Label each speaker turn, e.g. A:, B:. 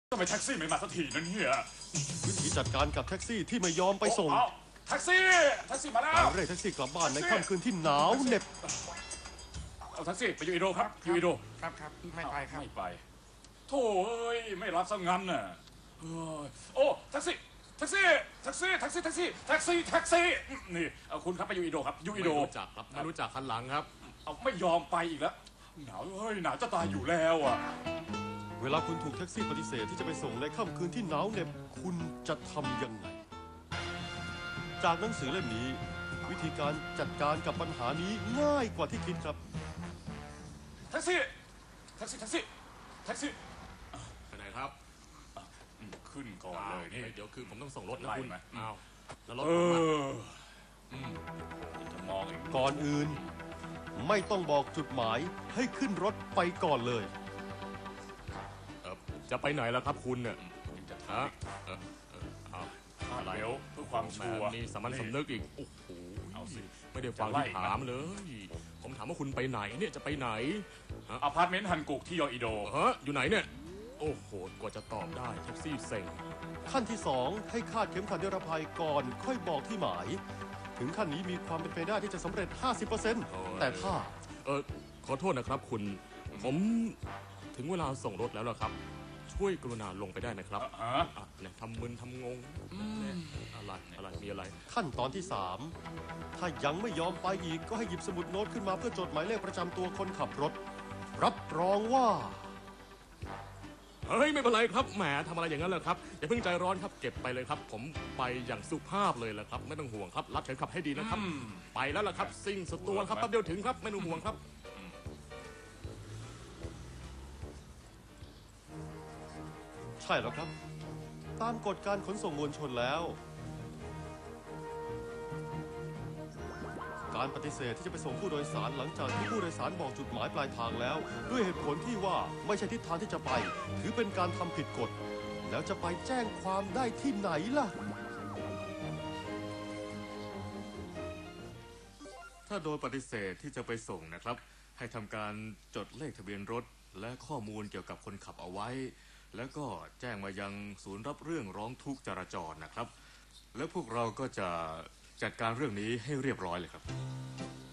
A: ทำไมแท็กซี่ไม่มาสักทีนั่นเนี่ย
B: วิธีจัดการกับแท็กซี่ที่ไม่ยอมไปส่ง
A: แท็กซี่มาแล้ว
B: การเรียกแท็กซี่กลับบ้านในค่ำคืนที่หนาวเหน็บ
A: เอาแท็กซี่ไปยูอิโดครับยูอิโด
C: ครับไม่ไปครับ
A: ไม่ไปโถ่เอ้ยไม่รับซะงั้นน่ะโอ้แท็กซี่นี่เอาคุณครับไปยูอิโดครับยูอิโด
C: ไม่รู้จักครับไม่รู้จักคันหลังครับ
A: เอาไม่ยอมไปอีกแล้วหนาวหนาวจะตายอยู่แล้วอ่ะ
B: เวลาคุณถูกแท็กซี่ปฏิเสธที่จะไปส่งในค่ำคืนที่หนาวเหน็บคุณจะทำยังไงจากหนังสือเล่มนี้วิธีการจัดการกับปัญหานี้ง่ายกว่าที่คิดครับ
A: แท็กซี่
C: ไปไหนครับ
A: ขึ้นก่อนเลยนี่
C: เดี๋ยวคือผมต้องส่งรถนะคุณอ้าวแล้วรถ
A: จะมอง
B: ก่อนอื่นไม่ต้องบอกจุดหมายให้ขึ้นรถไปก่อนเลย
C: จะไปไหนแล้วครับคุณเนี่ย
A: จะ
C: ฮะ
A: อะไรเพื่อความชัวร์
C: นี่สามัญสำนึกอีกโอ้โหเอาสิไม่ได้ฟังที่ถามเลยผมถามว่าคุณไปไหนเนี่ยจะไปไหน
A: อพาร์ตเมนต์ฮันกุกที่ยออิโด
C: อยู่ไหนเนี่ยโอ้โหกว่าจะตอบได้แท็กซี่เซ็ง
B: ขั้นที่2ให้คาดเข็มขัดนิรภัยก่อนค่อยบอกที่หมายถึงขั้นนี้มีความเป็นไปได้ที่จะสำเร็จ 50% แต่ถ้า
C: ขอโทษนะครับคุณผมถึงเวลาส่งรถแล้วล่ะครับช่วยกรุณาลงไปได้นะครับเนี่ยทำมึนทำงงอะไรมีอะไร
B: ขั้นตอนที่3ถ้ายังไม่ยอมไปอีกก็ให้หยิบสมุดโน้ตขึ้นมาเพื่อจดหมายเลขประจำตัวคนขับรถรับรองว่า
C: เฮ้ยไม่เป็นไรครับแหมทำอะไรอย่างนั้นเลยครับอย่าเพิ่งใจร้อนครับเก็บไปเลยครับผมไปอย่างสุภาพเลยแหละครับไม่ต้องห่วงครับรับเข็มขัดให้ดีนะครับไปแล้วล่ะครับสิ่งสุดตัวครับแป๊บเดียวถึงครับไม่ต้องห่วงครับ
B: ใช่แล้วครับตามกฎการขนส่งมวลชนแล้วการปฏิเสธที่จะไปส่งผู้โดยสารหลังจากที่ผู้โดยสารบอกจุดหมายปลายทางแล้วด้วยเหตุผลที่ว่าไม่ใช่ทิศทางที่จะไปถือเป็นการทำผิดกฎแล้วจะไปแจ้งความได้ที่ไหนล่ะ
D: ถ้าโดยปฏิเสธที่จะไปส่งนะครับให้ทำการจดเลขทะเบียนรถและข้อมูลเกี่ยวกับคนขับเอาไว้แล้วก็แจ้งมายังศูนย์รับเรื่องร้องทุกข์จราจรนะครับแล้วพวกเราก็จะจัดการเรื่องนี้ให้เรียบร้อยเลยครับ